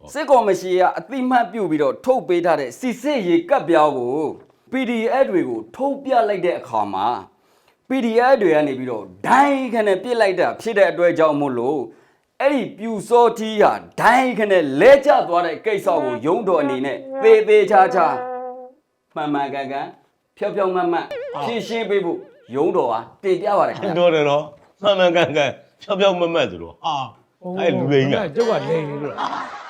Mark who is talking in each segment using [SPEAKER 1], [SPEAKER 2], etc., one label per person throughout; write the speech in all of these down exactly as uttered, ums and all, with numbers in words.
[SPEAKER 1] စစ်ကော်မရှင်ကအတိမတ်ပြုတ်ပြီးတော့ထုတ်ပေးထားတဲ့စစ်စစ်ရေကပ်ပြောင်းကို ပီ ဒီ အက်ဖ် တွေကိုထုတ်ပြလိုက်တဲ့အခါမှာ ပီ ဒီ အက်ဖ် တွေကနေပြီးတော့ဒိုင်းခနဲ့ပြစ်လိုက်တာဖြစ်တဲ့အတွက်ကြောင့်မို့လို့အဲ့ဒီပြူစောတီးဟာဒိုင်းခနဲ့လဲကျသွားတဲ့ကိစ္စကိုရုံးတော်အနေနဲ့သေးသေးချာချာမှန်မှန်ကန်ကန်ဖြောက်ဖြောက်မှန်မှန်ဖြည့်ရှင်းပေးဖို့ရုံးတော်ဟာတင်ပြပါတယ်ခင်ဗျာ
[SPEAKER 2] တော်တယ်နော်မှန်မှန်ကန်ကန်ဖြောက်ဖြောက်မမတ်သူတော့ဟာအဲ့လူလိမ့်က
[SPEAKER 3] ကျုပ်ကလိန်နေလို့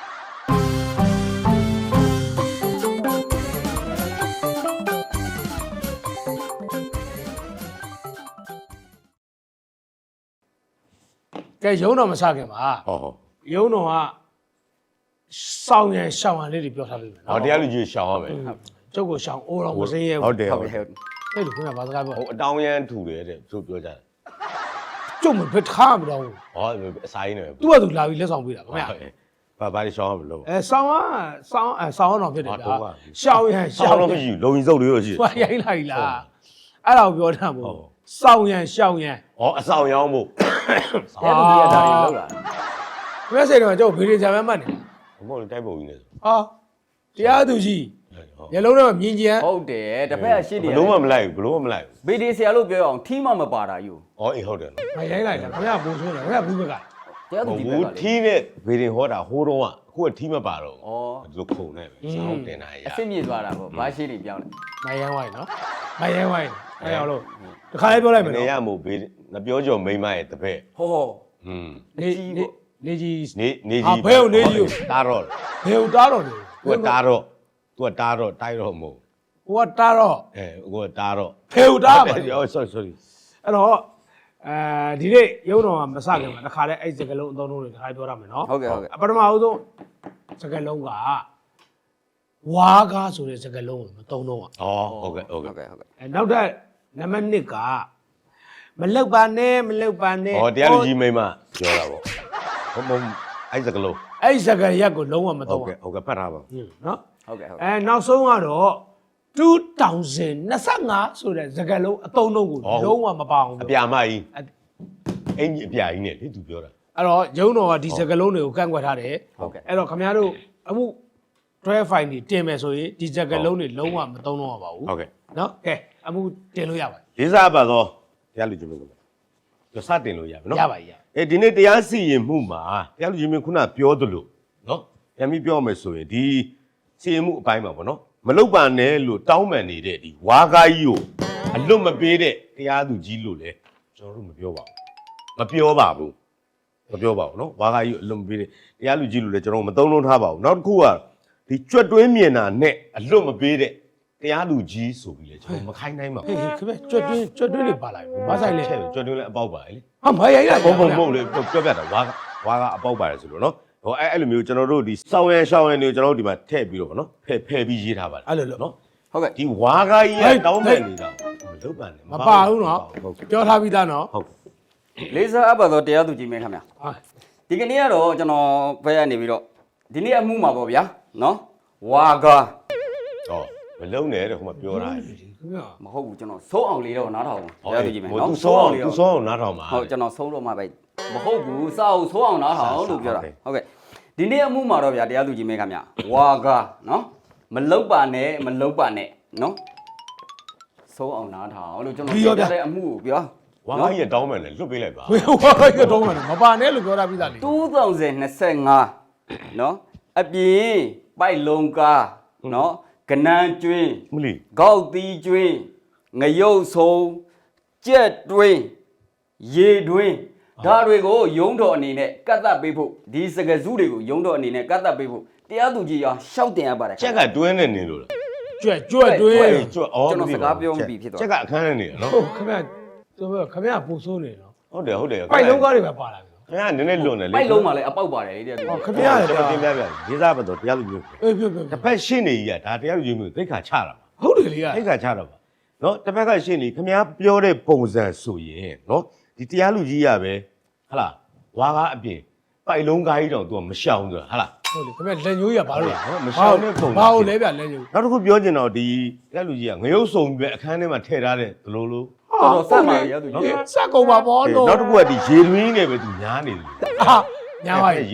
[SPEAKER 3] ကဲရုံးတော်မစခင်ပါ
[SPEAKER 2] ဟောဟော
[SPEAKER 3] ရုံးတော်ကစောင်းရန်ရှောင်းရန်လေးတွေပြောထားပြီမယ်
[SPEAKER 2] ဟောတရားလူကြီးရှောင်းရမယ်
[SPEAKER 3] ကျုပ်ကိုရှောင်းအိုးတော်မစင်းရဲ
[SPEAKER 2] ဟုတ်တယ်
[SPEAKER 1] ဟု
[SPEAKER 2] ဟုတ် တ်
[SPEAKER 1] တ
[SPEAKER 2] တယ် ယ်
[SPEAKER 1] ဟုတ်တယ်
[SPEAKER 3] အဲ့လိုခင်ဗျာဘာစကားပြော
[SPEAKER 2] ဟိုအတောင်းရန်ထူတယ်တဲ့သူပြောကြတယ်
[SPEAKER 3] ကျုပ်မဘယ်ထားမတော့ဘူး
[SPEAKER 2] ဟောအစာရင်းနေပဲ
[SPEAKER 3] သူ့ကသူလာပြီးလက်ဆောင်ပေးတာခင်ဗျာ
[SPEAKER 2] ဘာဘာရှောင်းရမလို့
[SPEAKER 3] အဲဆောင်းကဆောင်းအဲဆောင်းတော်ဖြစ်တယ်
[SPEAKER 2] ဟာတော့
[SPEAKER 3] ဗျာ
[SPEAKER 2] က
[SPEAKER 3] ရှောင်းရန်
[SPEAKER 2] ရှောင်းတော့မရှိဘူးလုံရင်စုပ်လေးတော့ရှိ
[SPEAKER 3] သူကရိုင်းလိုက်လားအဲ့ဒါကိုပြောတာမို့ဆောင်းရန်ရှောင်းရန်
[SPEAKER 2] ဟောအဆောင်ရောင်းဖို့
[SPEAKER 1] အဲ့လိုကြီးအတားကြီးလောက်လာ
[SPEAKER 3] ဘယ်စိတ်တော့ကျုပ်ဗီဒီဂျာမဲမှတ်နေ
[SPEAKER 2] ဘုံတိုက်ပုံကြီးနေ
[SPEAKER 3] ဟာတရားသူကြီးညလုံးတော့မြင်ကြံ
[SPEAKER 1] ဟုတ်တယ်တစ်ဖက်ကရှင်းနေ
[SPEAKER 2] ဘလုံးမမလိုက်ဘူးဘလုံးမမလိုက်ဘူး
[SPEAKER 1] ဗီဒီဆရာလို့ပြောရအောင်ထီးမှမပါတာယူ
[SPEAKER 2] ဟောအေးဟုတ်တယ်နော်
[SPEAKER 3] မရိုင်းလိုက်တာခင်ဗျာဘူဆိုးတယ်ခင်ဗျာဘူးဘက်က
[SPEAKER 1] တရားသူ
[SPEAKER 2] ဟို
[SPEAKER 1] ကြီးပဲ
[SPEAKER 2] ဘူး
[SPEAKER 1] ပါလေ
[SPEAKER 2] ထီးနဲ့ဗေဒင်ဟောတာဟိုးတော့ကအခုကထီးမပါတော့
[SPEAKER 1] ဩ
[SPEAKER 2] ဘူးသူခုံနေပဲစောင်းတင်တာရ
[SPEAKER 1] အစ်စ်မြေသွားတာပေါ့ဘာရှိနေပြောင်းလဲ
[SPEAKER 3] မရိုင်းဝိုင်းနော်မရိုင်းဝိုင်းအဲ့ရောက်လို့တခါလေးပြောလိုက်မယ်
[SPEAKER 2] နေ
[SPEAKER 3] နော်
[SPEAKER 2] ရမို့ဗေဒငါပြောကြော်မိမရဲ့တပည့်
[SPEAKER 1] ဟောဟော
[SPEAKER 2] อืม
[SPEAKER 3] နေနေနေကြီး
[SPEAKER 2] နေနေ
[SPEAKER 3] ဟာ
[SPEAKER 2] ကြီး
[SPEAKER 3] ဘယ်ကိုနေကြီးကို
[SPEAKER 2] တားတော့
[SPEAKER 3] ဘယ်ကိုတားတော့နေ
[SPEAKER 2] သူကတားတော့သူကတားတော့တိုက်တော့မဟုတ်
[SPEAKER 3] ဟိုကတားတော့
[SPEAKER 2] အဲကိုကတားတော့
[SPEAKER 3] ဘယ်ကိုတားပါလဲ
[SPEAKER 2] အော် sorry sorry
[SPEAKER 3] အဲ့တော့အဲဒီနေ့ရုံတော်ကမစခင်မှာတခါလဲအဲ့စကလုံးအသုံးလုံးတွေတခါပြောရမယ်နော်
[SPEAKER 1] ဟုတ်ကဲ့ဟုတ်ကဲ့
[SPEAKER 3] ပထမအဆုံးစကလုံးကဝါကားဆိုတဲ့စကလုံးကိုမသုံးတော့
[SPEAKER 2] ဩဟုတ်ကဲ့ဟုတ်
[SPEAKER 1] ဟုတ်
[SPEAKER 2] ကဲ့
[SPEAKER 1] ကဲ့ဟုတ်ကဲ့
[SPEAKER 3] အဲနောက်တဲ့နံပါတ်နှစ်ကမလောက်ပါနဲ့မလောက်ပါနဲ့
[SPEAKER 2] ဩတရားလူကြီးမိမပြောတာပေါ့ဟုတ်မဟုတ်အဲ့စကလုံး
[SPEAKER 3] အဲ့စကရက်ကိုလုံးဝမ
[SPEAKER 2] ဟု
[SPEAKER 3] သုံး
[SPEAKER 2] တ်
[SPEAKER 3] ဘူး
[SPEAKER 2] ကဲ့ဟုတ်ကဲ့ဖတ်ထားပါ
[SPEAKER 3] နော်
[SPEAKER 1] ဟုတ်ကဲ့ဟုတ်ကဲ့
[SPEAKER 3] အဲနောက်ဆုံးကတော့two thousand twenty-fiveဆိုတဲ့စကလုံးအသုံးလုံးကိုလုံးဝမပါအောင်
[SPEAKER 2] အပြာမကြီးအင်ကြီးအပြာကြီးနဲ့လေသူပြောတာ
[SPEAKER 3] အဲ့တော့ရုံတော်ကဒီစကလုံးတွေကိုကန့်ကွက်ထားတယ်
[SPEAKER 1] ဟုတ်ကဲ့
[SPEAKER 3] အဲ့တော့ခင်ဗျားတို့အမှု twelve file တွေတင်မယ်ဆိုရင်ဒီစကလုံးတွေလုံးဝမသုံးတော့ပါဘူး
[SPEAKER 2] ဟုတ်ကဲ့
[SPEAKER 3] နော်ကဲအမှုတင်လို့ရပါ
[SPEAKER 2] လေးစားပါတော့တရားလူကြီးမိမပြောစတင်လို့ရမယ်နော်
[SPEAKER 3] ရပါရ
[SPEAKER 2] အဲဒီနေ့တရားစီရင်မှုမှာတရားလူကြီးမင်းခုနပြောသလိုနော်ပြန်ပြီးပြောမယ်ဆိုရင်ဒီစီရင်မှုအပိုင်းမှာပေါ့နော်မလုတ်ပါနဲ့လို့တောင်းပန်နေတဲ့ဒီဝါကားကြီးကိုအလွတ်မပေးတဲ့တရားသူကြီးလို့လေကျွန်တော်တို့မပြောပါဘူးမပြောပါဘူးမပြောပါဘူးနော်ဝါကားကြီးကိုအလွတ်မပေးတဲ့တရားလူကြီးလို့လေကျွန်တော်မသုံးလုံးထားပါဘူးနောက်တစ်ခုကဒီကြွက်တွင်းမြင်တာနဲ့အလွတ်မပေးတဲ့တရားလူကြီးဆိုပြီးလေကျွန်တော်မခိုင်းနိုင်ပါဘူး
[SPEAKER 3] ဟေးခင်ဗျကြွတ်တွင်းကြွတ်တွင်းတွေပါလာပြီဘာဆိုင်လဲ
[SPEAKER 2] ချဲ့ကြွက်တွင်းလည်းအပေါက်ပါလေ
[SPEAKER 3] ဟာမရိုင်းလိုက်
[SPEAKER 2] ဘုံဘုံမဟုတ်လေပြောပြတာဝါကဝါကအပေါက်ပါတယ်ဆိုလို့နော်ဟိုအဲ့အဲ့လိုမျိုးကျွန်တော်တို့ဒီစောင်းရန်ရှောင်းရန်တွေကိုကျွန်တော်တို့ဒီမှာထည့်ပြီးတော့ဗောနော်ဖဲ့ဖဲ့ပြီးရေးထားပါတယ်
[SPEAKER 3] အဲ့လိုလို့
[SPEAKER 2] နော်
[SPEAKER 1] ဟုတ်ကဲ့
[SPEAKER 2] ဒီဝါကကြီးကတောင်းပန်နေတာမလုပ်ပါနဲ့
[SPEAKER 3] မပါဘူးနော်
[SPEAKER 2] ဟုတ်ကဲ့
[SPEAKER 3] ပြောထားပြီးသားနော်
[SPEAKER 2] ဟုတ်
[SPEAKER 1] လေးစားအပ်ပါတော့တရားသူကြီးမင်းခင်ဗျာ
[SPEAKER 3] ဟာ
[SPEAKER 1] ဒီကနေ့ကတော့ကျွန်တော်ဘက်ကနေပြီးတော့ဒီနေ့အမှုမှာပေါ့ဗျာနော်ဝါကာ
[SPEAKER 2] ဟောမလုံးနဲ့တဲ့ဟိုမှာပြောတာလေ
[SPEAKER 3] ခင်ဗျာ
[SPEAKER 1] မဟုတ်ဘူးကျွန်တော်စိုးအောင်လေးတော့နားထောင်ပါတရားသူကြီးမင်း
[SPEAKER 2] ဟို
[SPEAKER 1] နော်
[SPEAKER 2] သူစောအောင်သူစောအောင်နားထောင်ပါ
[SPEAKER 1] ဟုတ်ကျွန်တော်ဆုံးတော့မှပဲမဟုတ်ဘူးစောက်ဆိုးအောင်နားထောင်လို့ပြောတာဟုတ်ကဲ့ဒီနေ့အမှုမှာတော့ဗျာတရားသူကြီးမင်းခင်ဗျာဝါကာနော်မလုတ်ပါနဲ့မလုတ်ပါနဲ့နော်ဆုံးအောင်နားထောင်လို့ကျွန်တော်ပြောတဲ့အမှုကိုပြော
[SPEAKER 2] ဝါကကြီးကတောင်းပန်တယ်လွတ်ပေးလိုက်ပါ
[SPEAKER 3] ဝေဝါရတော့မပါနဲ့လို့ပြောထားပြီးသားလေ
[SPEAKER 1] two thousand twenty-fiveနော်အပြင်ပိုက်လုံးကားနော်ကနန်းကျွင်း
[SPEAKER 2] မလီ
[SPEAKER 1] ဂေါက်သီးကျွင်းငရုတ်ဆုံးကြက်တွင်းရေတွင်းဒါတွေကိုယုံတော်အနေနဲ့ကတ်သက်ပေးဖို့ဒီစကစုတွေကိုယုံတော်အနေနဲ့ကတ်သက်ပေးဖို့တရားသူကြီးရောရှောက်တင်ရပါတယ်
[SPEAKER 2] ချက်ကတွင်းနေနေလို့လား
[SPEAKER 3] ကြွက်ကြွက်တွင်း
[SPEAKER 2] ကျွတ်အော်
[SPEAKER 1] ကျွန်တော်စကားပြောမပြီးဖြစ်သွား
[SPEAKER 2] ချက်ကအခန်းနေနေတာနော်
[SPEAKER 3] ဟုတ်ခင်ဗျာတို့ခင်ဗျာပူဆိုးနေနော်
[SPEAKER 2] ဟုတ်တယ်ဟုတ်တယ်
[SPEAKER 3] ပိုက်လုံးကားတွေပဲပါလာပြီ
[SPEAKER 2] ခင်ဗျာနည်းနည်းလွန်တယ်လေ
[SPEAKER 1] ပိုက်လုံးမှာလည်းအပေါက်ပါတယ်လေတရားသူ
[SPEAKER 3] ဟော
[SPEAKER 1] ကြီး
[SPEAKER 3] ခင်ဗျာ
[SPEAKER 2] ကျွန်တော်တင်ပြပြရေးစားပါတော့တရားလူမျိုး
[SPEAKER 3] အေးပြောပြော
[SPEAKER 2] တစ်ဖက်ရှင်းနေကြီးကဒါတရားလူမျိုးသိခါချတာပါ
[SPEAKER 3] ဟုတ်တယ်လေက
[SPEAKER 2] သိခါချတာပါနော်တစ်ဖက်ကရှင်းနေခင်ဗျားပြောတဲ့ပုံစံဆိုရင်နော်ဒီတရားလူကြီးရပဲဟလာဝါကားအပြင်ပိုက်လုံးကားကြီးတောင် तू မရှောင်ဆိုတာဟလာ
[SPEAKER 3] ဟုတ်လေခင်ဗျာလက်ညိုးရပါလို့
[SPEAKER 2] မရှောင်တဲ့ပုံ
[SPEAKER 3] ဘာလို့လဲဗျလက်ညိုး
[SPEAKER 2] နောက်တစ်ခုပြောချင်တော့ဒီတရားလူကြီးကငရုတ်စုံပြီးပဲအခန်းထဲမှာထည့်ထားတဲ့ဒလိုလို
[SPEAKER 1] တော်တော်ဆက်ပါရတရားသူကြီး
[SPEAKER 3] စက်ကုန်ပါဘောလို့
[SPEAKER 2] နောက်တစ်ခုကဒီရေတွင်းနဲ့ပဲ तू ညားနေတယ်
[SPEAKER 3] ဟာညာပါ
[SPEAKER 2] ရေတွင်း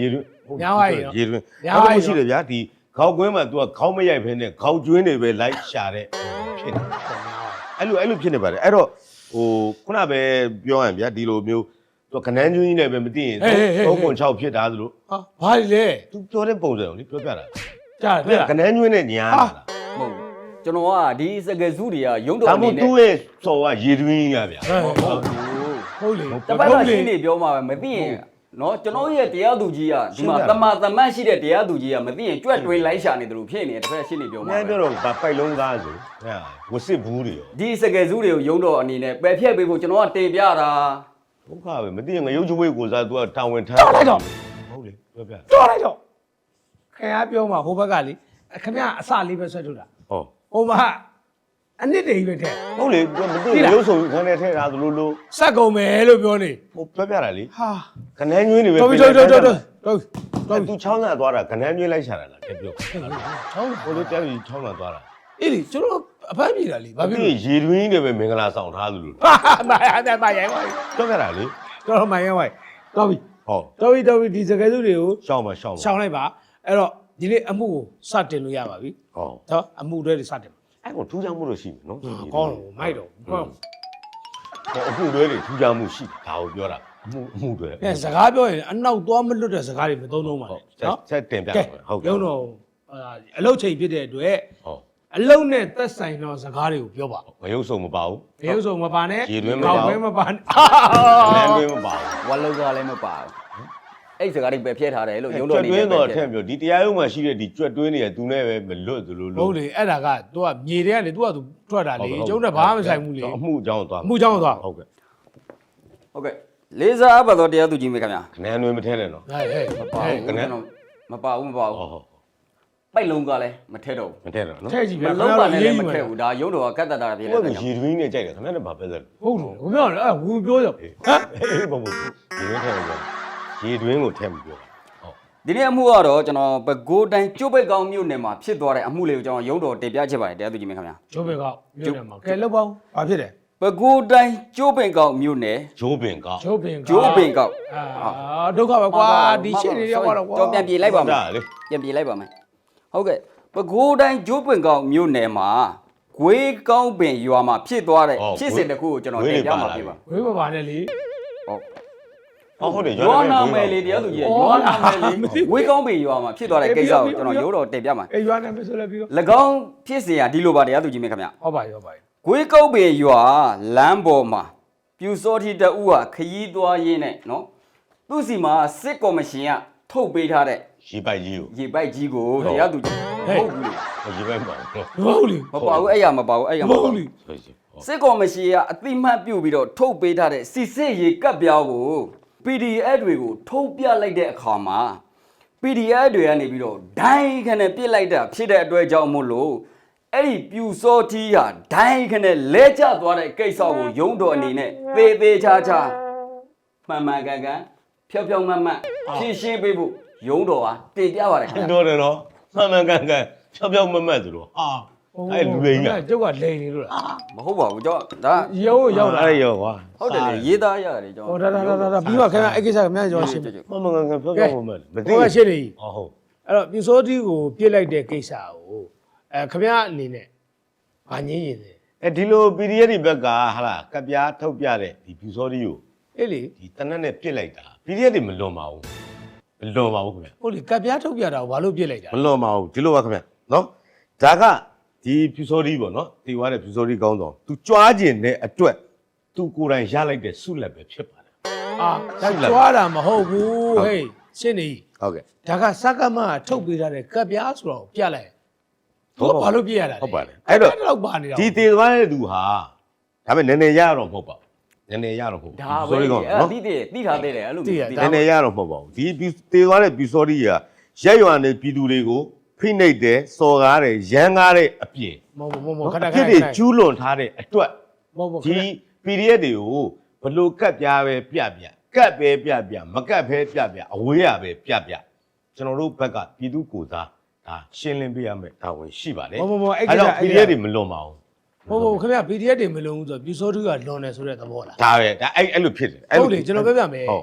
[SPEAKER 3] ညာဝိုင်းရော
[SPEAKER 2] ရေတွင်း
[SPEAKER 3] ညာ
[SPEAKER 2] နောက်
[SPEAKER 3] ဝိုင်း
[SPEAKER 2] တစ်ခုရှိတယ်ဗျာဒီခေါက်ကွင်းမှာ तू ကခေါင်းမရိုက်ဖ ೇನೆ ခေါက်ကျွင်းတွေပဲလိုက်ရှာတဲ့ဖြစ်နေအဲ့လိုအဲ့လိုဖြစ်နေပါတယ်အဲ့တော့ဟိုခုနပဲပြောရရင်ဗျာဒီလိုမျိုး तू ကနန်းကျွင်းကြီးနဲ့ပဲမသိရင်သုံးပုံ၆ဖြစ်တာသလို
[SPEAKER 3] ဟာဘာလဲ
[SPEAKER 2] तू ပြောတဲ့ပုံစံကိုလေပြောပြတာ
[SPEAKER 3] ကြားတယ်
[SPEAKER 2] ကနန်းကျွင်းနဲ့ညာတာ
[SPEAKER 1] ဟုတ်ကျွန်တော်ကဒီစကယ်စုတွေကရုံးတော်
[SPEAKER 2] ဒါ
[SPEAKER 1] အနေ
[SPEAKER 2] မို့
[SPEAKER 1] နဲ့
[SPEAKER 2] သူ့ရဲ့စော်ကရေတွင်းကြီးကဗျာ
[SPEAKER 3] ဟုတ်လေ
[SPEAKER 1] တပတ်ကရှင်းနေပြောမှာပဲမသိရင်နော်ကျွန်တော်ရဲ့တရားသူကြီးကဒီမှာတမာတမတ်ရှိတဲ့တရားသူကြီးကမသိရင်ကြွက်တွင်းလိုက်ရှာနေတယ်လို့ဖြစ်နေတယ်တစ်ဖက်ရှင်းနေပြောမှာ
[SPEAKER 2] အများ
[SPEAKER 1] ပဲ
[SPEAKER 2] ပြောတော့ဗပိုက်လုံးကားဆိုဟဲ့ဝစစ်ဘူးတွေရော
[SPEAKER 1] ဒီစကယ်စုတွေကိုရုံးတော်အနေနဲ့ပယ်ဖြတ်ပေးဖို့ကျွန်တော်ကတင်ပြတာ
[SPEAKER 2] ဒုက္ခပဲမသိရင်ငရုတ်ကျွေးကိုစား तू ကတာဝန်ထမ်း
[SPEAKER 3] တော်လိုက်တော့
[SPEAKER 2] ဟုတ်လေပြောပြ
[SPEAKER 3] တော်လိုက်တော့ခင်ဗျားပြောမှာဟိုဘက်ကလေခင်ဗျားအစလေးပဲဆွဲထုတ်တာ
[SPEAKER 2] ဟော
[SPEAKER 3] ဟိုမှာအနစ်တွေပဲထဲ
[SPEAKER 2] ဟုတ်လေ तू မသိရင်ရုပ်ဆောင်ခန်းထဲထည့်ထားသလိုလို
[SPEAKER 3] စက်ကုန်မယ်လို့ပြောနေ
[SPEAKER 2] ဟိုပြောပြတာလေ
[SPEAKER 3] ဟာ
[SPEAKER 2] ခနန်းကျွင်းတွေပဲ
[SPEAKER 3] တော်ပြီတော်တော်တော်တော်တော်တော်
[SPEAKER 2] သူချောင်းသာသွားတာခနန်းကျွင်းလိုက်ရှာတာလားကြပြော
[SPEAKER 3] ချောင်း
[SPEAKER 2] ဟိုလိုတဲပြီးချောင်းသာသွားတာ
[SPEAKER 3] အေးလေကျွန်တော်အဖမ်းပြေတာလေဘာ
[SPEAKER 2] ဒီ
[SPEAKER 3] ဖြစ်လို့
[SPEAKER 2] ရေတွင်းတွေပဲမင်္ဂလာဆောင်ထားသလို
[SPEAKER 3] ဟာမာရတဲ့မာရိုင်းဝိုင်း
[SPEAKER 2] ပြောပြတာလေ
[SPEAKER 3] တော်တော်မာရိုင်းဝိုင်းတော်ပြီ
[SPEAKER 2] ဟော
[SPEAKER 3] တော်ပြီတော်ပြီဒီစကယ်စုတွေကို
[SPEAKER 2] ရှောင်းမရှောင်းမ
[SPEAKER 3] ရှောင်းလိုက်ပါအဲ့တော့ဒီနေ့အမှုကိုစတင်လို့ရပါပြီ
[SPEAKER 2] ဟော
[SPEAKER 3] နော်အမှုတွေစတင်
[SPEAKER 2] အဲ့ကောင်ထူးခြားမှုလို့ရှိမယ်နော်
[SPEAKER 3] ကောင်းတော့မိုက်တော့ကောင်း
[SPEAKER 2] ဟောအခုတွေတွေထူးခြားမှုရှိဒါကိုပြောတာအမှုအမှုတွေ
[SPEAKER 3] အဲစကားပြောရင်အနောက်သွားမလွတ်တဲ့စကားတွေမသုံးတော့ပါနဲ့နော်
[SPEAKER 2] ဆက်တင်ပြ
[SPEAKER 3] ကဲ
[SPEAKER 2] ဟုတ်
[SPEAKER 3] ရုံတော့အလုတ်ချိန်ဖြစ်တဲ့အတွက်
[SPEAKER 2] ဟော
[SPEAKER 3] အလုတ်နဲ့သက်ဆိုင်သောစကားတွေကိုပြောပါ
[SPEAKER 2] ငရုပ်စုံမပါဘူး
[SPEAKER 3] ဘယ်ဥဆုံးမပါနဲ့
[SPEAKER 2] ရေတွင်းမပါဘူး
[SPEAKER 3] ကောက်ပဲမပါနဲ့
[SPEAKER 2] လမ်းတွင်းမပါဘူး
[SPEAKER 1] ဝါလောက်ကလည်းမပါဘူးအဲ့စကားတွေပယ်ဖြတ်ထားတယ်လို့ရုံး
[SPEAKER 2] ကျွ
[SPEAKER 1] တော်
[SPEAKER 2] တ်
[SPEAKER 1] အနေ
[SPEAKER 2] တွ
[SPEAKER 1] နဲ့
[SPEAKER 2] င်းတော့ထည့်ပြောဒီတရားရုံးမှာရှိတဲ့ဒီကျွတ်တွင်းတွေကသူနဲ့ပဲမလွတ်သလို
[SPEAKER 3] ဟု
[SPEAKER 2] လို့
[SPEAKER 3] တ်လေအဲ့ဒါက तू ကမြေတဲ့ကနေ तू က तू ထွက်တာလေကျုံးနဲ့ဘာမှမဆိုင်ဘူးလေ
[SPEAKER 2] အမှုအကြောင်းသွား
[SPEAKER 3] အမှုကြောင်းသွား
[SPEAKER 2] ဟုတ်ကဲ့
[SPEAKER 1] ဟုတ်ကဲ့လေးစားအပ်ပါတော့တရားသူကြီးမေခင်ဗျာ
[SPEAKER 2] ခဏတွင်းမထဲနဲ့နော်
[SPEAKER 3] ဟဲ့ဟဲ့
[SPEAKER 1] မပါဘူးကျွန်တော်မပါဘူးမပါဘူး
[SPEAKER 2] ဟောဟော
[SPEAKER 1] ပိုက်လုံးကလည်းမထဲတော့
[SPEAKER 2] မထဲနဲ့နော်
[SPEAKER 3] ထဲကြည့်
[SPEAKER 1] ဘူး
[SPEAKER 3] ဗျာ
[SPEAKER 1] မလုံးပါနဲ့လည်းမထဲဘူးဒါရုံးတော်ကကတ်တတာဖြစ်
[SPEAKER 2] ဟို
[SPEAKER 1] နေ
[SPEAKER 2] က
[SPEAKER 1] တယ်
[SPEAKER 2] ရေတွင်းနဲ့ကြိုက်တယ်ခဏနဲ့ဘာပဲလဲ
[SPEAKER 3] ဟုတ်တယ်ဘယ်ပြောလဲအဲ့ဝူပြောကြဟမ်
[SPEAKER 2] ဟေးဘုံဘုံရေတွင်းထဲမှာရေတွင်းကိုထဲမပြောဟုတ်
[SPEAKER 1] ဒီနေ့အမှုကတော့ကျွန်တော်ပဲခူးတိုင်းကျိုးပိတ်ကောင်းမြို့နယ်မှာဖြစ်သွားတဲ့အမှုလေးကိုကျွန်တော်ရုံးတော်တင်ပြချင်ပါတယ်တရားသူကြီးမေခင်ဗျာ
[SPEAKER 3] ကျိုးပဲကောက်မြို့နယ်မှာကဲလောက်ပါဦးဘာဖြစ်တယ်
[SPEAKER 1] ပဲခူးတိုင်းကျိုးပိတ်ကောင်းမြို့နယ်
[SPEAKER 2] ဂျိုးပင်ကောက်
[SPEAKER 3] ကျိုးပင်ကောက်
[SPEAKER 1] ကျိုးပင်ကောက်
[SPEAKER 3] အာဒုက္ခပဲကွာဒီရှင်းနေရောက်တော့ကွာ
[SPEAKER 1] ကျွန်တော်ပြန်ပြေးလိုက်ပါမယ်
[SPEAKER 2] ဒါလေ
[SPEAKER 1] ပြန်ပြေးလိုက်ပါမယ်ဟုတ်ကဲ့ပဲခူးတိုင်းကျိုးပင်ကောင်းမြို့နယ်မှာဂွေးကောင်းပင်ရွာမှာဖြစ်သွားတဲ့ဖြစ်စဉ်တစ်ခုကိုကျွန်တော်တင်ပြမှာဖြစ်ပါ
[SPEAKER 3] ဝေးမပါနဲ့လေ
[SPEAKER 1] ဟုတ်
[SPEAKER 2] အော်ဟုတ်တယ်
[SPEAKER 1] ရွာနာမယ်လေတရားသူကြီးရွာနာမယ်လေဝေးကောင်းပင်ရွာမှာဖြစ်သွားတဲ့ကိစ္စကိုကျွန်တော်ရုံးတော်တင်ပြမှာ
[SPEAKER 3] အေးရွာနာမယ်ဆိုလည်းပြီးတော့
[SPEAKER 1] ၎င်းဖြစ်စဉ်ကဒီလိုပါတရားသူကြီးမေခင်ဗျာ
[SPEAKER 3] ဟုတ်ပါရောပါ
[SPEAKER 1] ဂွေးကောက်ပင်ရွာလမ်းပေါ်မှာပြူစောတိတအူးဟာခရီးသွားရင်းနဲ့နော်သူ့စီမှာစစ်ကော်မရှင်ကထုတ်ပေးထားတဲ့
[SPEAKER 2] ရေပိုက်ကြီးကို
[SPEAKER 1] ရေပိုက်ကြီးကိုတရားသူကြီးဟုတ်ဘူးလေ
[SPEAKER 2] ရေပိုက်ပါတော့
[SPEAKER 3] ဟုတ်လေ
[SPEAKER 1] မပါဘူးအဲ့ရမပါဘူးအဲ့ရမ
[SPEAKER 3] မ
[SPEAKER 1] ပါ
[SPEAKER 3] ဟုတ်
[SPEAKER 1] ဘူး
[SPEAKER 3] လေ
[SPEAKER 2] ဆိုစီ
[SPEAKER 1] စစ်ကော်မရှင်ကအတိမတ်ပြုတ်ပြီးတော့ထုတ်ပေးထားတဲ့စီစစ်ရေကပ်ပြောင်းကို ပီ ဒီ အက်ဖ် တွေကိုထုတ်ပြလိုက်တဲ့အခါမှာ ပီ ဒီ အက်ဖ် တွေကနေပြီးတော့ဒိုင်းခနဲ့ပြစ်လိုက်တာဖြစ်တဲ့အတွက်ကြောင့်မို့လို့အဲ့ဒီပြူစောတီးဟာဒိုင်းခနဲ့လဲကျသွားတဲ့ကိစ္စကိုယုံတော်အနေနဲ့သေသေးချာချာမှန်မှန်ကန်ကန်ဖြောက်ဖြောက်မှန်မှန်ဖြည့်ရှင်းပေးဖို့ယုံတော်ဟာတင်ပြပါတယ်ခင်ဗျာ
[SPEAKER 2] တော်တယ်နော်မှန်မှန်ကန်ကန်ဖြောက်ဖြောက်မမတ်သူတော့ဟာ အဲ့လူတွေကြီးက
[SPEAKER 3] ကျုပ်ကလိန်နေလို့လား
[SPEAKER 1] မဟုတ်ပါဘူးကျွန်တော်ဒါ
[SPEAKER 3] ရုံးရောက်လာ
[SPEAKER 2] အဲ့ရောကွာ
[SPEAKER 1] ဟုတ်တယ်လေရေးသားရတယ်ကျွန်
[SPEAKER 3] ဟော
[SPEAKER 1] တော်
[SPEAKER 3] ဒါဒါဒါဒါပြီးမှခင်ဗျအဲ့ကိစ္စကမြန်ကျော်ရှင်းပြီ
[SPEAKER 2] မှန်မှန်ကန်ကန်ဖြောက်ဖြောက်မမတ်မသိ
[SPEAKER 3] ဟိုကရှင်းနေ
[SPEAKER 2] ဟောဟုတ်
[SPEAKER 3] အဲ့တော့ပြူစောတီကိုပြစ်လိုက်တဲ့ကိစ္စကိုအဲခင်ဗျအနေနဲ့ဗာငင်းရင်တယ်
[SPEAKER 2] အဲဒီလို ပီ ဒီ အက်ဖ် တွေဘက်ကဟာလားကပြားထုတ်ပြတဲ့ဒီဖြူစောတီကို
[SPEAKER 3] အေးလေ
[SPEAKER 2] ဒီတနက်နဲ့ပြစ်လိုက်တာ ပီ ဒီ အက်ဖ် တွေမလွန်ပါဘူးမလွန်ပါဘူးခင်ဗျ
[SPEAKER 3] ဟုတ်လေကပ်ပြားထုတ်ပြတာကိုဘာလို့ပြစ်လိုက်တာ
[SPEAKER 2] မလွန်ပါဘူးဒီလိုပါခင်ဗျနော်ဒါကဒီဖြူစောတီပေါ့နော်တီဝါတဲ့ဖြူစောတီကောင်းတော့ तू ကြွားကျင်တဲ့အတွက် तू ကိုယ်တိုင်ရလိုက်တဲ့ဆုလက်ပဲဖြစ်ပါတယ်
[SPEAKER 3] အာဒါကြွားတာမဟုတ်ဘူးဟေးရှင်းနေ
[SPEAKER 2] ဟုတ်ကဲ့
[SPEAKER 3] ဒါကစကမထုတ်ပေးထားတဲ့ကပ်ပြားဆိုတော့ပြလိုက်ဟုတ်ဘာလို့ပြရတာ
[SPEAKER 2] ဟုတ်ပါတယ်အဲ့တော့
[SPEAKER 3] တော့ပါနေတာ
[SPEAKER 2] ဒီတည်သွားတဲ့သူဟာဒါပေမဲ့နည်းနည်းရတော့မဟုတ်ပါဘူးနည်းနည်းရတော့မဟုတ်ဘူး
[SPEAKER 1] ဒါ
[SPEAKER 2] ဖြူ
[SPEAKER 1] ပဲ
[SPEAKER 2] စောတီကောင်း
[SPEAKER 1] အဲ့
[SPEAKER 2] နော်
[SPEAKER 1] တိတိတိထားသေးတယ်အဲ့လိုမျိုး
[SPEAKER 2] နည်းနည်းရတော့မဟုတ်ပါဘူးဒီတည်သွားတဲ့ဖြူစောတီကရက်ရွာနေပြည်သူတွေကိုဖိနှိပ်တယ်စော်ကားတယ်ရမ်းကားတဲ့အပြင်
[SPEAKER 3] မဟုတ်ဘူးမဟုတ်ဘူးခဏ
[SPEAKER 2] အ
[SPEAKER 3] ခ
[SPEAKER 2] ဖြစ်
[SPEAKER 3] ဏ
[SPEAKER 2] တွေကျူးလွန်ထားတဲ့အတွက်
[SPEAKER 3] မဟုတ်ဘူး
[SPEAKER 2] ဒီ ပီ ဒီ အက်ဖ် တွေကိုဘလို့ကတ်ပြားပဲပြပြကတ်ပဲပြပြမကတ်ပဲပြပြအဝေးရပဲပြပြကျွန်တော်တို့ဘက်ကပြည်သူကိုစားဒါရှင်းလင်းပေးရမယ်ဒါဝင်ရှိပါတယ်
[SPEAKER 3] မဟုတ်ဘူးအဲ့
[SPEAKER 2] အဲ့
[SPEAKER 3] ကိစ္စ
[SPEAKER 2] တော့ ပီ ဒီ အက်ဖ် တွေမလွန်ပါဘူး
[SPEAKER 3] မဟုတ်ဘူးခင်ဗျ ပီ ဒီ အက်ဖ် တွေမလုံးဘူးဆိုတော့ပြူစောတူကလွန်တယ်ဆိုတဲ့သဘောလား
[SPEAKER 2] ဒါပဲဒါအဲ့အဲ့လိုဖြစ်တယ်
[SPEAKER 3] ဟုတ်လေကျွန်တော်ပြောပြမယ်
[SPEAKER 2] ဟုတ်
[SPEAKER 3] ပ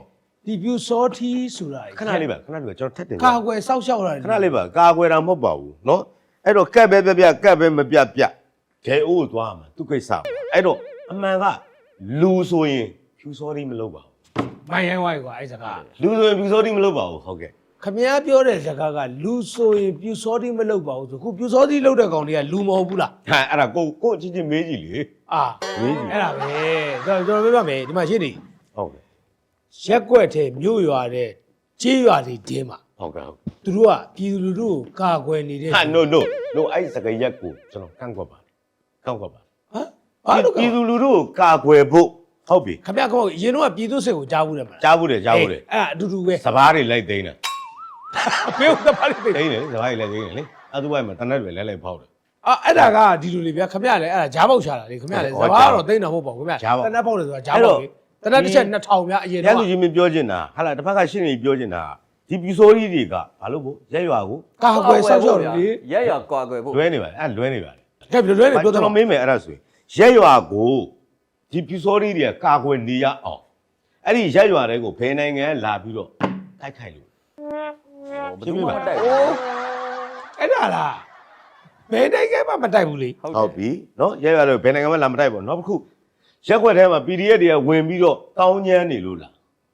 [SPEAKER 3] ဒီပြူစောထီးဆိုတာ
[SPEAKER 2] ခဏလေးပါခဏလေးပါကျွန်တော်ထပ်တင်
[SPEAKER 3] ကာကွယ်စောက်ရှောက်တာ
[SPEAKER 2] ခဏလေးပါကာကွယ်တာမဟုတ်ပါဘူးเนาะအဲ့တော့ကက်ပဲပြပြကက်ပဲမပြပြဂဲအိုးသွားမှာသူကိစ္စအဲ့တော့အမှန်ကလူဆိုရင်ဖြူစောတိမလုပ်ပါဘူး
[SPEAKER 3] မိုင်းရိုင်းဝိုင်းကွာအဲ့စကား
[SPEAKER 2] လူဆိုရင်ဖြူစောတိမလုပ်ပါဘူးဟုတ်ကဲ့
[SPEAKER 3] ခမည်းပြောတဲ့စကားကလူဆိုရင်ပြူစောတိမလုပ်ပါဘူးဆိုခုပြူစောတိလုပ်တဲ့ကောင်တွေကလူမဟုတ်ဘူးလား
[SPEAKER 2] ဟာအဲ့ဒါကိုကိုချင်းချင်းမေးကြည့်လေ
[SPEAKER 3] အာ
[SPEAKER 2] မေးကြည့်
[SPEAKER 3] အဲ့ဒါပဲကျွန်တော်ပြောပြမယ်ဒီမှာရှင်းနေ
[SPEAKER 2] ဟုတ်ကဲ့
[SPEAKER 3] ရက်ကွက်ထဲမြို့ရွာတဲ့ကြေးရွာတွေတင်းမှာ
[SPEAKER 2] ဟုတ်ကဲ့ဟုတ်
[SPEAKER 3] သူတို့ကပြည်သူလူထုကိုကာကွယ်နေတဲ့
[SPEAKER 2] ဟာ no no no အဲ့စကရက်ကိုကျွန်တော်ကန့်ကွက်ပါကန့်ကွက်ပါ
[SPEAKER 3] ဟမ်ဘာလို့
[SPEAKER 2] ပြည်သူလူထုကိုကာကွယ်ဖို့ဟုတ်ပြီ
[SPEAKER 3] ခမည်းကောအရင်တော့ပြည်သူစစ်ကိုကြားဘူးတယ်မလား
[SPEAKER 2] ကြားဘူးတယ်ကြားဘူးတယ်
[SPEAKER 3] အဲ့အတူတူပဲ
[SPEAKER 2] စပားတွေလိုက်သိမ်းတာ
[SPEAKER 3] ဘယ်ဥစ္စာပါလိမ့်
[SPEAKER 2] သိမ်းတယ်စပားတွေလိုက်သိမ်းတယ်လေအဲ့သူ့ဘက်မှာတနက်တွေလဲလဲဖောက်တယ်
[SPEAKER 3] အာအဲ့ဒါကဒီလိုလေဗျာခမည်းလည်းအဲ့ဒါဂျားပေါက်ချတာလေခမည်းလည်းစဘာကတော့သိမ့်တာမဟုတ်ပါဘူးခမည်းတနက်ပေါက်တယ်ဆိုတာဂျားပေါက်လေတနက်တစ်ချက်နှစ်ထောင်ဗျာအရင်
[SPEAKER 2] ရ
[SPEAKER 3] တော့
[SPEAKER 2] လူကြီးမပြောချင်တာဟာလားတစ်ဖက်ကရှင်းနေပြောချင်တာဒီပြူစိုးကြီးတွေကဘာလို့ဖို့ရက်ရွာကို
[SPEAKER 3] ကာကွယ်ဆောက်ရှောက်လေ
[SPEAKER 1] ရက်ရွာကွာကွယ်ဖို့
[SPEAKER 2] လွဲနေပါလေအဲ့လွဲနေပါလေ
[SPEAKER 3] ကဲဘယ်လိုလဲပြော
[SPEAKER 2] ကျွန်
[SPEAKER 3] တော့
[SPEAKER 2] တော်မေးမယ်အဲ့ဒါဆိုရင်ရက်ရွာကိုဒီပြူစိုးကြီးတွေကကာကွယ်နေရအောင်အဲ့ဒီရက်ရွာတွေကိုဘယ်နိုင်ငံလာပြီးတော့တိုက်ခိုက်လို့
[SPEAKER 1] ဘယ်သူမှမတိုက်
[SPEAKER 3] အိုးအဲ့ဒါလားဘယ်နိုင်ငံမှမတိုက်ဘူးလေ
[SPEAKER 1] ဟုတ်
[SPEAKER 2] ဟုတ်ပြီနော်ရက်ရွာတွေဘယ်နိုင်ငံမှလာမတိုက်ပါဘူးနောက်တစ်ခုရက်ွက်ထဲမှာ ပီ ဒီ အက်ဖ် တွေကဝင်ပြီးတော့တောင်းညမ်းနေလို့လား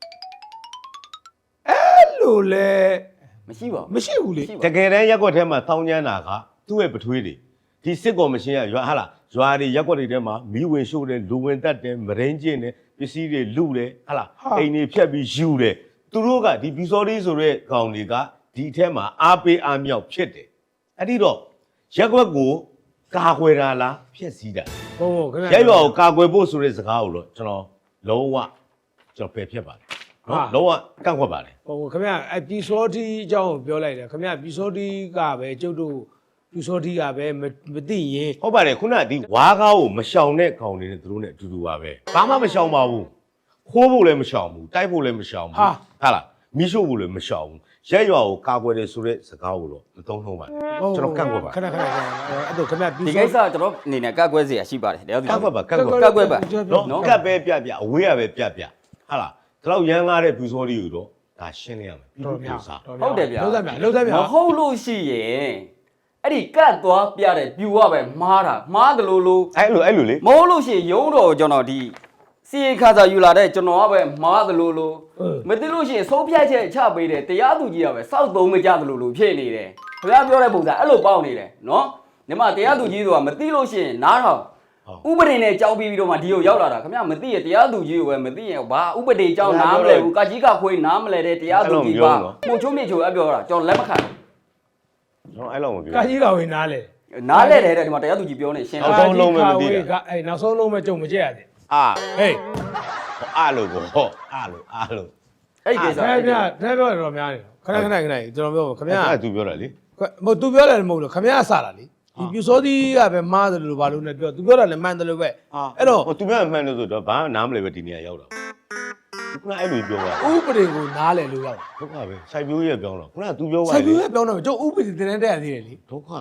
[SPEAKER 3] အဲ့လိုလေ
[SPEAKER 1] မရှိပါဘူး
[SPEAKER 3] မရှိဘူးလေ
[SPEAKER 2] တကယ်တမ်းရက်ွက်ထဲမှာတောင်းညမ်းတာကသူ့ရဲ့ပထွေးတွေဒီစစ်ကော်မရှင်ကရွာဟာလားရွာတွေရက်ွက်တွေထဲမှာမီးဝင်ရှို့တယ်လူဝင်တက်တယ်မရင်းကျင်းတယ်ပစ္စည်းတွေလူတယ်ဟာလားအိမ်တွေဖြတ်ပြီးယူတယ်သူတို့ကဒီဘီစော်လေးဆိုတဲ့ကောင်တွေကဒီအထက်မှာအားပေးအားမြောက်ဖြစ်တယ်အဲ့ဒီတော့ရက်ွက်ကိုကာကွယ်တာလားဖျက်ဆီးတာ
[SPEAKER 3] ဟုတ်ဟုတ်ခင်ဗျာ
[SPEAKER 2] ရက်ရွာကိုကာကွယ်ဖို့ဆိုတဲ့စကားကိုတော့ကျွန်တော်လုံးဝကျွန်တော်ပယ်ဖြတ်ပါတယ်နော်လုံးဝကန့်ကွက်ပါတယ်
[SPEAKER 3] ဟိုခင်ဗျာအဲ့ပီစောတီအကြောင်းကိုပြောလိုက်တယ်ခင်ဗျာပီစောတီကပဲကျုပ်တို့ပီစောတီကပဲမသိရင်
[SPEAKER 2] ဟုတ်ပါတယ်ခုနကဒီဝါးကားကိုမရှောင်တဲ့ကောင်တွေနဲ့သူတို့နဲ့အတူတူပါပဲဘာမှမရှောင်ပါဘူးခိုးဖို့လည်းမရှောင်ဘူးတိုက်ဖို့လည်းမရှောင်ဘူးဟာလားမီးရှို့ဖို့လည်းမရှောင်ဘူးရက်ရွာကိုကာကွယ်တယ်ဆိုတဲ့စကားကိုတော့မသုံးနှုံးပါနဲ့ကျွန်တော်ကန့်ကွက်ပါ
[SPEAKER 3] ခဏခဏခဏအဲ့တော့ခင်ဗျာပီ
[SPEAKER 1] ဒီ
[SPEAKER 3] စော
[SPEAKER 1] ကိစ္စကျွန်တော်အနေနဲ့ကတ်ကွဲเสียရှိပါတယ်တရားသူ
[SPEAKER 2] ကန့်ကွက်ပါကန့်ကွက်
[SPEAKER 1] ကတ်ကွဲပါ
[SPEAKER 2] နော်ကတ်ပဲပြပြအဝေးရပဲပြပြဟာလားဒီလောက်ရမ်းကားတဲ့ဘူစောလေးကိုတော့ဒါရှင်းလင်းရမယ်ပြီး
[SPEAKER 3] တော်
[SPEAKER 2] ပြီး
[SPEAKER 3] များ
[SPEAKER 2] ပြစား
[SPEAKER 1] ဟုတ်တယ်ဗျာ
[SPEAKER 3] လုံးသက်မြလုံးသက်မြ
[SPEAKER 1] မဟုတ်လို့ရှိရင်အဲ့ဒီကတ်သွားပြတဲ့ပြူကပဲမှားတာမှားတယ်လို့လို့
[SPEAKER 2] အဲ့လိုအဲ့လိုလေ
[SPEAKER 1] မဟုတ်လို့ရှိရင်ရုံးတော်ကျွန်တော်ဒီစီခါစာယူလာတဲ့ကျွန်တော်ကပဲမှားတယ်လို့လို့မသိလို့ရှိရင်ဆုံးဖြတ်ချက်ချပေးတယ်တရားသူကြီးကပဲစောက်သုံးမကြတယ်လို့လို့ဖြစ်နေတယ်ခင်ဗျားပြောတဲ့ပုံစံအဲ့လိုပေါက်နေတယ်နော်ညီမတရားသူကြီးဆိုတာမသိလို့ရှိရင်နားထောင်ဥပဒေနဲ့ကြောင်းပြီးပြီးတော့မှဒီကိုရောက်လာတာခင်ဗျားမသိရတရားသူကြီးကိုပဲမသိရင်ဘာဥပဒေကြောင်းနားမလဲဘူးကကြီးကခွေးနားမလဲတဲ့တရားသူကြီးပါမှုချုံးမြေချိုအပြောတာကျွန်တော်လက်မခံဘူး
[SPEAKER 2] ကျွန်တော်အဲ့လောက်မပြော
[SPEAKER 3] ကာကြီးတော်ဝင်နားလေ
[SPEAKER 1] နားလဲတယ်တဲ့ဒီမှာတရားသူကြီးပြောနေရှင်း
[SPEAKER 2] နောက်
[SPEAKER 1] လာ
[SPEAKER 2] ဆုံးလုံးပဲမသိတာ
[SPEAKER 3] ကအဲ့နောက်ဆုံးလုံးပဲကြုံမကြက်ရသေး
[SPEAKER 2] အာ
[SPEAKER 3] ဟေး
[SPEAKER 2] အားလို့ပေါ့ဟောအားလို့အားလို့
[SPEAKER 1] အဲ့ဒီကိစ္စ
[SPEAKER 3] ခင်ဗျာခင်ဗျာပြောတော့များနေခဏခဏခဏကျွန်တော်ပြောခင်ဗျာ
[SPEAKER 2] အဲ့သူပြောတာလေ
[SPEAKER 3] မဟုတ် तू ပြောတယ်မဟုတ်လို့ခင်ဗျာစတာလေဒီပြူစောသီးကပဲမားတယ်လို့ဘာလို့လဲပြော तू ပြောတာလည်းမှန်တယ်လို့ပဲအဲ့တော့
[SPEAKER 2] ဟိုသူများမှန်လို့ဆိုတော့ဘာနားမလဲပဲဒီနေရာရောက်တာခုနအဲ့လိုပြောတာ
[SPEAKER 3] ဥပဒေကိုနားလည်လို့ရောက်
[SPEAKER 2] ဒုက္ခပဲစိုက်ပျိုးရဲ့ပြောင်းတော့ခုနကသူပြောသွား
[SPEAKER 3] ဆိုင်
[SPEAKER 2] လေ
[SPEAKER 3] ပြပြောတော့ကျုပ်ဥပဒေတင်တဲ့ရသေးတယ်လေ
[SPEAKER 2] ဒုက္ခ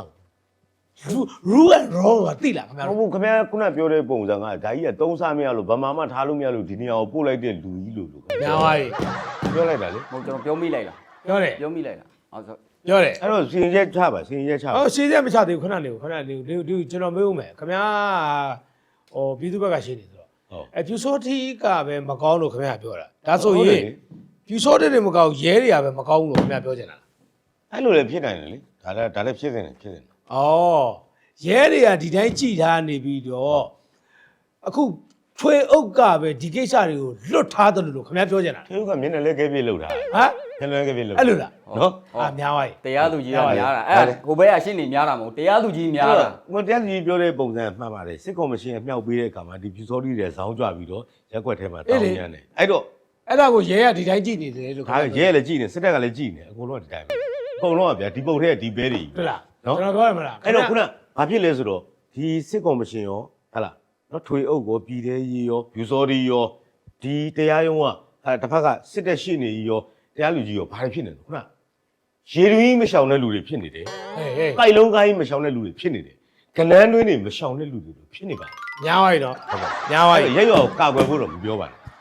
[SPEAKER 3] rule and wrong ကတိလားခင်ဗျာ
[SPEAKER 2] ဟုတ်ဘူးခင်ဗျာခုနပြောတဲ့ပုံစံကဒါကြီးကသုံးစားမရလို့ဗမာမထားလို့မရလို့ဒီနေရာကိုပို့လိုက်တဲ့လူကြီးလို့လို့
[SPEAKER 3] ညာပါပြီ
[SPEAKER 2] ပြောလိုက်တာလေ
[SPEAKER 1] ဟုတ်ကျွန်တော်ပြောမိလိုက်လား
[SPEAKER 3] ပြောတယ်
[SPEAKER 1] ပြောမိလိုက်လားဟုတ်ဆို
[SPEAKER 3] ပြောတယ်
[SPEAKER 2] အဲ့တော့စီရင်ချက်ချပါစီရင်ချက်ချပါ
[SPEAKER 3] ဟောရှင်းချက်မချသေးဘူးခဏနေဘူးခဏနေဘူးဒီကျွန်တော်မေးဦးမယ်ခင်ဗျာဟိုပြည်သူဘက်ကရှင်းနေဆိုတော့
[SPEAKER 2] ဟုတ်
[SPEAKER 3] အဖြူစောတီကပဲမကောင်းလို့ခင်ဗျာပြောတာဒါဆိုရင်ဖြူစောတီတွေမကောင်းရဲတွေကပဲမကောင်းလို့ခင်ဗျာပြောချင်တာလား
[SPEAKER 2] အဲ့လိုလည်းဖြစ်နိုင်တယ်လေဒါလည်းဒါလည်းဖြစ်နေတယ်ဖြစ်နေတယ်
[SPEAKER 3] ဩရဲတွေကဒီတိုင်းကြည်ထားနေပြီးတော့အခုထွေအုပ်ကပဲဒီကိစ္စတွေကိုလွတ်ထားတယ်လို့ခင်ဗျာပြောချင်တာ
[SPEAKER 2] သူကမျက်နှာလေးကဲပြေးလောက်တာ
[SPEAKER 3] ဟမ်
[SPEAKER 2] မျက်နှာလေးကဲပြေးလောက်
[SPEAKER 3] အဲ့လိုလား
[SPEAKER 2] နော်
[SPEAKER 3] အာများပါ යි
[SPEAKER 1] တရားသူကြီးကများတာအဲ့ဟိုဘက်ကရှင်းနေများတာမဟုတ်တရားသူကြီးများတာ
[SPEAKER 2] ဟိုတရားကြီးပြောတဲ့ပုံစံမှတ်ပါတယ်စစ်ကော်မရှင်အမြောက်ပေးတဲ့အခါမှာဒီဖြူစောတိတွေဇောင်းကြပြီးတော့ရက်ွက်ထဲမှာတောင်းညမ်းတယ်အဲ့တော့
[SPEAKER 3] အဲ့ဒါကိုရဲကဒီတိုင်းကြည်နေတယ်လို့
[SPEAKER 2] ဒါရဲလည်းကြည်နေစစ်တပ်ကလည်းကြည်နေအကုန်လုံးကဒီတိုင်းပဲအကုန်လုံးကဗျာဒီပုံထဲကဒီဘဲတွေ
[SPEAKER 3] ဟုတ်လား
[SPEAKER 2] နော်
[SPEAKER 3] ကျွန်တော်ပြောရမလား
[SPEAKER 2] အဲ့တော့ခုနဘာဖြစ်လဲဆိုတော့ဒီစစ်ကော်မရှင်ရောဟလာနော်ထွေအုပ်ကိုပြည်သေးရေးရောဖြူစောတိရောဒီတရားရုံးကဟာတစ်ဖက်ကစစ်တပ်ရှိနေရောတရားလူကြီးရောဘာဖြစ်နေလဲခုနရေတွင်းမရှောင်တဲ့လူတွေဖြစ်နေတယ်
[SPEAKER 3] ဟေးဟေး
[SPEAKER 2] ကိုက်လုံးကိုင်းမရှောင်တဲ့လူတွေဖြစ်နေတယ်ကလန်းတွင်းတွေမရှောင်တဲ့လူတွေဖြစ်နေပါ
[SPEAKER 3] ညားပါ යි တော့
[SPEAKER 2] ဟုတ်ပါ
[SPEAKER 3] ညားပါ යි
[SPEAKER 2] ရက်ရွာကိုကာကွယ်ဖို့တော့မပြောပါနဲ့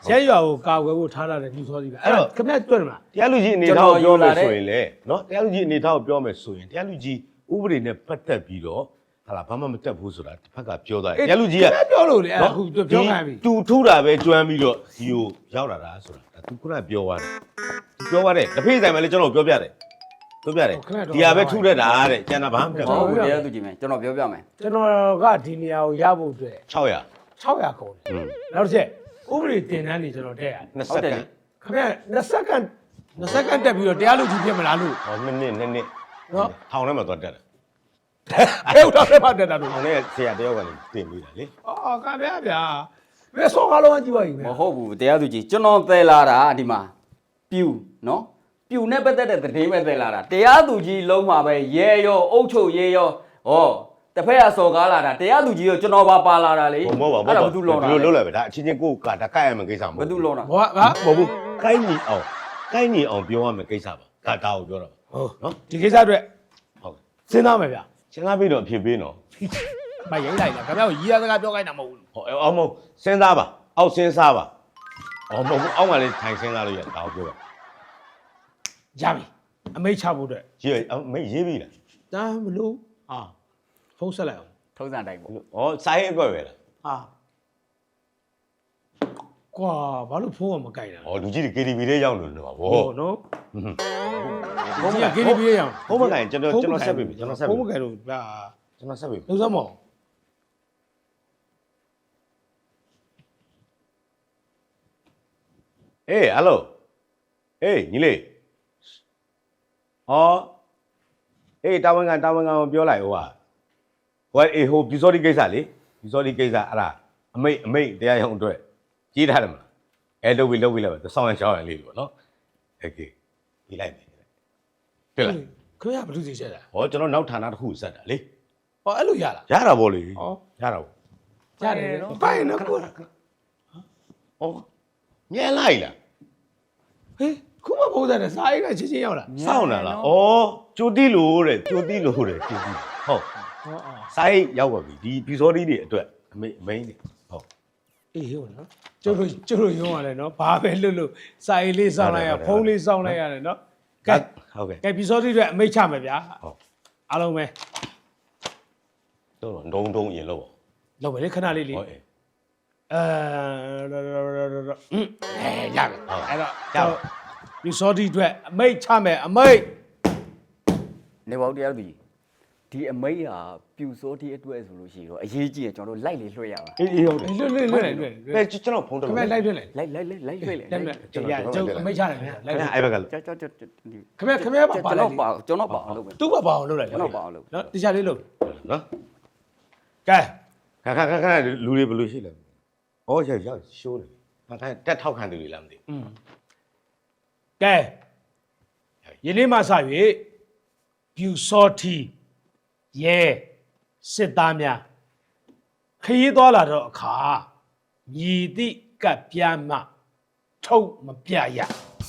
[SPEAKER 3] ရဲရွာကိုကာကွယ်ဖို့ထားလာတဲ့လူစောစီပဲအဲ့တော့ခင်ဗျတွေ့တယ်မလား
[SPEAKER 2] တရားလူကြီးအနေထားကိုပြောမယ်ဆိုရင်လေနော်တရားလူကြီးအနေထားကိုပြောမယ်ဆိုရင်တရားလူကြီးဥပဒေနဲ့ပတ်သက်ပြီးတော့ဟာလာဘာမှမတက်ဘူးဆိုတာတစ်ဖက်ကပြောသားတယ်တရားလူကြီးက
[SPEAKER 3] ပြောလို့လေအဲ့အခုပြောခိုင်းပြီ
[SPEAKER 2] तू ထူတာပဲကျွမ်းပြီးတော့ဒီကိုရောက်လာတာဆိုတာဒါ तू ခုနပြောသွားတယ် तू ပြောသွားတယ်တစ်ဖေးဆိုင်မှာလေကျွန်တော်ပြောပြတယ်ပြောပြတယ်ဒီဟာပဲထူတဲ့တာတဲ့ကျန်တာဘာမှမတက်
[SPEAKER 1] ဟုတ်
[SPEAKER 2] ဘူး
[SPEAKER 1] ဘူးတရားသူကြီးမယ်ကျွန်တော်ပြောပြမယ်
[SPEAKER 3] ကျွန်တော်ကဒီနေရာကိုရဖို့အတွက်
[SPEAKER 2] ၆၀၀
[SPEAKER 3] ၆၀၀ကုန်တယ်နောက်တစ်ချက်ဥပဒေတင်တန်းနေကျွန်တော်တက်ရတယ်
[SPEAKER 2] နှစ်
[SPEAKER 1] ဟု
[SPEAKER 2] စ
[SPEAKER 1] တ်
[SPEAKER 2] က္
[SPEAKER 1] တယ်
[SPEAKER 2] က
[SPEAKER 1] လေ
[SPEAKER 2] န့်
[SPEAKER 3] ခင်ဗျ20စက္ကန့်20စက္ကန့်တက်ပြီးတော့တရားလူကြီးဖြစ်မလားလို့
[SPEAKER 2] ဟောနှစ်နှစ်နှစ်နှစ်
[SPEAKER 3] နော်
[SPEAKER 2] ထောင်ထဲမှာသွားတက်တယ်
[SPEAKER 3] အဲ့တော့ဆက်ပါတက်တာလို့
[SPEAKER 2] ထောင်ထဲဆရာတယောက်ကလည်းတင်ပြီးတာလေ
[SPEAKER 3] အော်ခင်ဗျဗျာဘယ်ဆောကားလုံးကြည့်ပါ့
[SPEAKER 1] မဟုတ်ဘူးတရားသူကြီးကျွန်တော်သယ်လာတာဒီမှာပြူနော်ပြူနဲ့ပတ်သက်တဲ့သတင်းပဲသယ်လာတာတရားသူကြီးလုံးမှာပဲရဲရောအုတ်ချုပ်ရဲရောဟောတစ်ဖက်ကစော်ကားလာတာတရားသူကြီးရောကျွန်တော်ပါပါလာတာလေ
[SPEAKER 2] မဟုတ်ပါဘူး
[SPEAKER 1] အဲ့ဒါဘာသူလောတာ
[SPEAKER 2] ဒီလိုလုပ်လိုက်ပဲဒါအချင်းချင်းကိုကဒါကရမယ်ကိစ္စမဟုတ်
[SPEAKER 1] ဘာသူလောတာ
[SPEAKER 3] ဘာဘာ
[SPEAKER 2] မဟုတ်ဘူးကိုင်းညီအောင်ကိုင်းညီအောင်ပြောရမယ်ကိစ္စပါဒါဒါကိုပြောတာ
[SPEAKER 3] ဟုတ်
[SPEAKER 2] နော်
[SPEAKER 3] ဒီကိစ္စအတွက်
[SPEAKER 2] ဟုတ်
[SPEAKER 3] စဉ်းစားမယ်ဗျာ
[SPEAKER 2] စဉ်းစားပြီးတော့အဖြစ်ပေးနော်
[SPEAKER 3] မရိုက်လိုက်လားခင်ဗျကိုရီးရစကားပြောခိုင်းတာမဟုတ်ဘူး
[SPEAKER 2] ဟောအောင်မဟုတ်စဉ်းစားပါအောက်စဉ်းစားပါအော်မဟုတ်ဘူးအောက်ကလည်းထိုင်စဉ်းစားလို့ရဒါကိုပြောပါ
[SPEAKER 3] ရပြီအမိတ်ချဖို့အတွက်
[SPEAKER 2] ရေးမေးရေးပြီလား
[SPEAKER 3] ဒါမလို့ဟာဖုန်းဆက်လိုက်အောင်
[SPEAKER 1] ထုံးစံတိုင်းပေါ့
[SPEAKER 2] ဩစာရေးအကွက်ပဲလား
[SPEAKER 3] ဟာကွာဘာလို့ဖုန်းကမကြိုက်တာ
[SPEAKER 2] ဩလူကြီးတွေ K T V လေးရောက်လို့လို့ပါဗော
[SPEAKER 3] ဟုတ်နော်ဖုန်းက K T V ရအောင်
[SPEAKER 2] ဖုန်းမကင်ကျွန်တော်ကျွန်တော်ဆက်ပြီကျွန်တော်ဆက်
[SPEAKER 3] ဖု
[SPEAKER 2] ပြီ
[SPEAKER 3] န်းမကြိုက်လို့ဗျာ
[SPEAKER 2] ကျွန်တော်ဆက်ပြီ
[SPEAKER 3] လုံးစမ်းမအောင်
[SPEAKER 2] အေးဟယ်လိုအေးညီလေးဟောအေးတာဝန်ခံတာဝန်ခံကိုပြောလိုက်ဟိုကဟိုအေးဟိုပြူစောဒီကိစ္စလေပြူစောဒီကိစ္စအဲ့ဒါအမိတ်အမိတ်တရားရုံးအတွက်ကြီးထားတယ်မလားအဲလုပ်ပြီးလုပ်ပြီးလိုက်ပါစောင်းရရှောင်းရလေးပေါ့နော်โอเคကြီးလိုက်ပြီတွေ့လား
[SPEAKER 3] ခင်ဗျာဘယ်သူစီချက်တာ
[SPEAKER 2] ဟောကျွန်တော်နောက်ဌာနတစ်ခုစက်တာလေ
[SPEAKER 3] ဟောအဲ့လိုရလား
[SPEAKER 2] ရတာပေါ့လေ
[SPEAKER 3] ဟော
[SPEAKER 2] ရတာပေါ့
[SPEAKER 3] ရတယ်နော်ပိုင်နော်ကို
[SPEAKER 2] ဩမြဲလိုက်လား
[SPEAKER 3] ဟေးခုမပုံစံနဲ့စားအိတ်ကချင်းချင်းရောက်လာ
[SPEAKER 2] စောင်းတာလားဩကြိုတိလို့တဲ့ကြိုတိလို့တဲ့ကြိုတိဟုတ်
[SPEAKER 3] ဟောအော်
[SPEAKER 2] စိုင်းရောက်ပါပြီဒီပြူစောဒီတွေအတွက်အမိအမိန်တွေဟုတ်
[SPEAKER 3] အေးဟုတ်နော်ကျုပ်တို့ကျုပ်တို့ရုံးရတယ်နော်ဘာပဲလွတ်လို့စားအိတ်လေးစောင်းလိုက်ရဖုန်းလေးစောင်းလိုက်ရတယ်နော်ကဲ
[SPEAKER 2] ဟုတ်ကဲ့
[SPEAKER 3] ကဲပီစောတိတွေအမိတ်ချမယ်ဗျာ
[SPEAKER 2] ဟုတ်
[SPEAKER 3] အားလုံးပဲ
[SPEAKER 2] တော့ဒုံဒုံရင်လို့ပေါ့
[SPEAKER 3] လောက်ပဲလေခဏလေးလေး
[SPEAKER 2] ဟုတ်အေး
[SPEAKER 3] အဲအဲရပြီအဲ့တော့ပီစောတိတွေအမိတ်ချမယ်အမိတ်
[SPEAKER 1] နေပါဦးတရားသူကြီးဒီအမိတ်ဟာပြူစောတိအတွက်ဆိုလို့ရှိရင်တော့အရေးကြီးတယ်ကျွန်တော်တို့လိုက်လေလွှဲရအောင်
[SPEAKER 2] အေးအေးဟုတ်တယ်
[SPEAKER 3] လွတ်လွတ်လွတ်လွတ်လွတ်
[SPEAKER 2] အဲကျွန်တော်ဖုန်းတော့
[SPEAKER 3] ခင်ဗျလိုက်လွတ်လိုက်
[SPEAKER 1] လိုက်လိုက်လိုက်လိုက်လွှဲလေ
[SPEAKER 3] လိုက်လွတ်ကျကျုပ်အမိတ်ချတယ်ဗျာလိုက်
[SPEAKER 2] အဲ့ဘက်ကလို့
[SPEAKER 1] ကြောက်ကြောက်ကြောက်
[SPEAKER 3] ခင်ဗျခင်ဗျပါပါ
[SPEAKER 1] ကျွန်
[SPEAKER 3] လို
[SPEAKER 1] တော်
[SPEAKER 3] က်
[SPEAKER 1] ပါကျွန်တော်ပါအောင်လုပ်မယ်
[SPEAKER 3] သူ့ဘာပါအောင်လုပ်လိုက်
[SPEAKER 1] ကျွန်တော်ပါအောင်လုပ်
[SPEAKER 3] နော်တရားလေးလုပ်
[SPEAKER 2] နော်
[SPEAKER 3] ကဲ
[SPEAKER 2] ခါခါခါခါလူတွေဘယ်လိုရှိလဲဩရရရှိုးတယ်ခါခါတက်ထောက်ခံသူတွေလားမသိ
[SPEAKER 3] อืมကဲယနေ့မှစ၍ပြူစောတီရဲစစ်သားများခရီးသွားလာတော့အခါမြည်သည့်ကပ်ပြားမှထုတ်မပြရ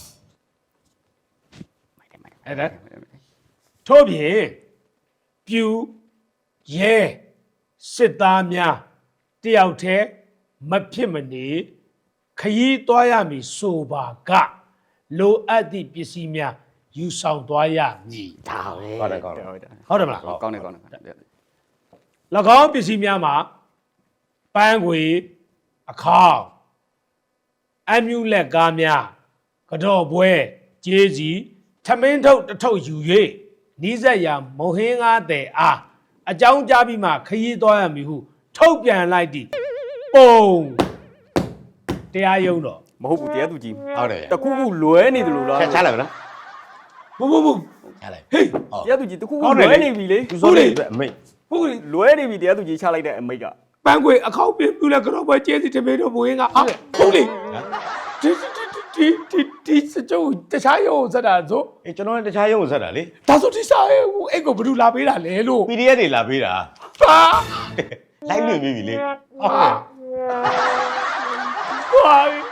[SPEAKER 3] အဲ့ဒါထို့ပြင်ပြူရဲစစ်သားများတယောက်တည်းမဖြစ်မနေခရီးသွားရမည်ဆိုပါကလိုအပ်သည့်ပစ္စည်းများယူဆောင်သွားရမည်
[SPEAKER 1] ဒါပဲ
[SPEAKER 2] ဟုတ်တယ်ကောင်းတယ်
[SPEAKER 1] ဟုတ်တယ်
[SPEAKER 3] ဟုတ်တယ်မလား
[SPEAKER 1] ကောင်းတယ်ကောင်းတယ်
[SPEAKER 3] ၎င်းပစ္စည်းများမှာပန်းခွေအခေါင်အမြူလက်ကားများကတော့ပွဲကျေးစီထမင်းထုတ်တစ်ထုပ်ယူ၍နီးစက်ရာမုံဟင်းကားတဲ့အားအကြောင်းကြားပြီးမှခရီးသွားရမည်ဟုထုတ်ပြန်လိုက်သည်ပုံတရားရုံးတော့
[SPEAKER 1] မဟုတ်ဘူးတရားသူကြီး
[SPEAKER 2] ဟုတ်တယ်
[SPEAKER 1] တခုခုလွဲနေတယ်လို့လား
[SPEAKER 2] ချချလိုက်မလား
[SPEAKER 3] ဘုဘဘ
[SPEAKER 2] ချလိုက်
[SPEAKER 3] ဟေး
[SPEAKER 2] ဟုတ်
[SPEAKER 1] တရားသူကြီးတခုခု
[SPEAKER 2] ဟုတ်တယ်
[SPEAKER 1] လွဲ
[SPEAKER 2] လေ
[SPEAKER 1] နေပြီလေ
[SPEAKER 2] ပြူစောဒီအတွက်အမိတ်
[SPEAKER 3] ဟုတ်ကဲ့
[SPEAKER 1] လွဲနေပြီတရားသူကြီးချလိုက်တဲ့အမိတ်က
[SPEAKER 3] ပန်းခွေအခေါင်ပြပြလက်ကတော့ပွဲကျေးစီထမင်းတို့မုံဟင်းကားအားဟုတ်လေဒီဒီဒီဒီစကြိုတခြားရုံးစက်တာဆို
[SPEAKER 2] အေးကျွန်တော်လည်းတခြားရုံးကိုဆက်တာလေ
[SPEAKER 3] ဒါဆိုဒီစားရဲ့အဲ့ကိုဘယ်သူလာပေးတာလဲလို့
[SPEAKER 2] P D F တွေလာပေးတာ
[SPEAKER 3] ဟာ
[SPEAKER 2] လိုက်လွင်ပြီးပြီလေ
[SPEAKER 3] ကွာ